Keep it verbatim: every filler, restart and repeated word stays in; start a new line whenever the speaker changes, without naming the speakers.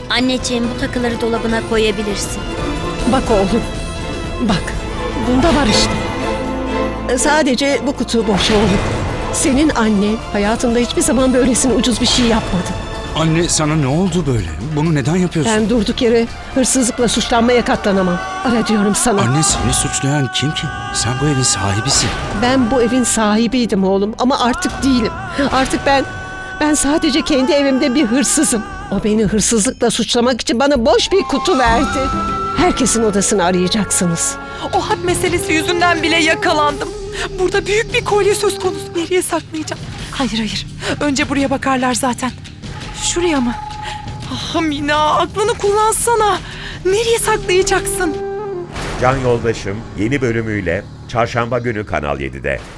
Anneciğim, bu takıları dolabına koyabilirsin.
Bak oğlum, bak. Bunda var işte. Sadece bu kutu boş oğlum. Senin annen hayatında hiçbir zaman böylesine ucuz bir şey yapmadı.
Anne, sana ne oldu böyle? Bunu neden yapıyorsun?
Ben durduk yere hırsızlıkla suçlanmaya katlanamam. Ara diyorum sana.
Anne, seni suçlayan kim ki? Sen bu evin sahibisin.
Ben bu evin sahibiydim oğlum ama artık değilim. Artık ben, ben sadece kendi evimde bir hırsızım. O beni hırsızlıkla suçlamak için bana boş bir kutu verdi. Herkesin odasını arayacaksınız.
O hap meselesi yüzünden bile yakalandım. Burada büyük bir kolye söz konusu. Nereye saklayacağım? Hayır hayır. Önce buraya bakarlar zaten. Şuraya mı? Ah Mina, aklını kullansana. Nereye saklayacaksın?
Can Yoldaşım yeni bölümüyle Çarşamba günü Kanal yedide.